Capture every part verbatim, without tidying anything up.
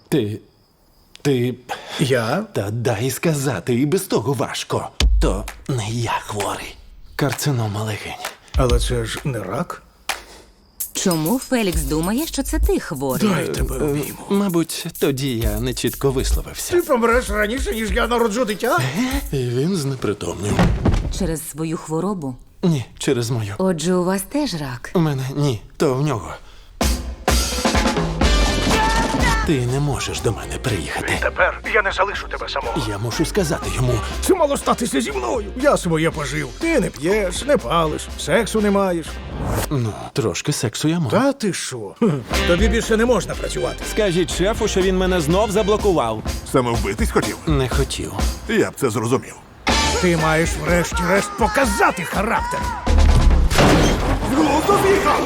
Ти. Ти. Я? Та дай сказати, і без того важко. То не я хворий. Карцинома легень. Але це ж не рак. Чому Фелікс думає, що це ти хворий? Дай тебе обійму. Мабуть, тоді я не чітко висловився. Ти помреш раніше, ніж я народжу дитя? І він знепритомнів. Через свою хворобу? Ні, через мою. Отже, у вас теж рак. У мене ні, то в нього. Ти не можеш до мене приїхати. Тепер я не залишу тебе самого. Я мушу сказати йому. Це мало статися зі мною. Я своє пожив. Ти не п'єш, не палиш, сексу не маєш. Ну, трошки сексу я можу. Та ти що? Хм. Тобі більше не можна працювати. Скажіть шефу, що він мене знов заблокував. Саме вбитись хотів? Не хотів. Я б це зрозумів. Ти маєш врешті-решт показати характер. Глузду з'їхав!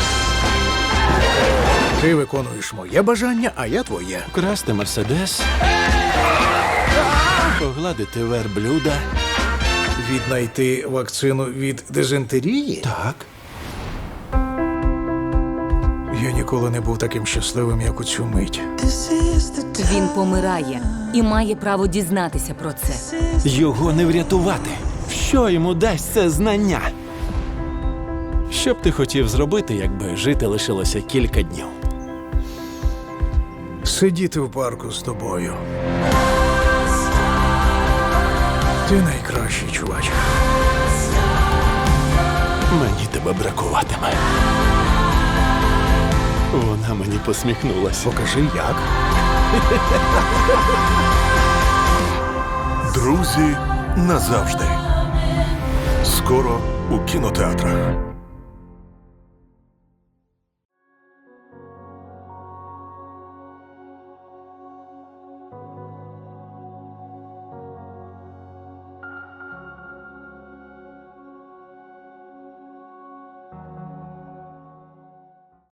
Ти виконуєш моє бажання, а я твоє. Красти мерседес. Погладити верблюда. Віднайти вакцину від дизентерії? Так. Я ніколи не був таким щасливим, як у цю мить. Він помирає і має право дізнатися про це. Його не врятувати. Що йому дасть це знання? Що б ти хотів зробити, якби жити лишилося кілька днів? Сидіти в парку з тобою. Ти найкращий, чувач. Мені тебе бракуватиме. Вона мені посміхнулася. Покажи, як. Друзі назавжди. Скоро у кінотеатрах.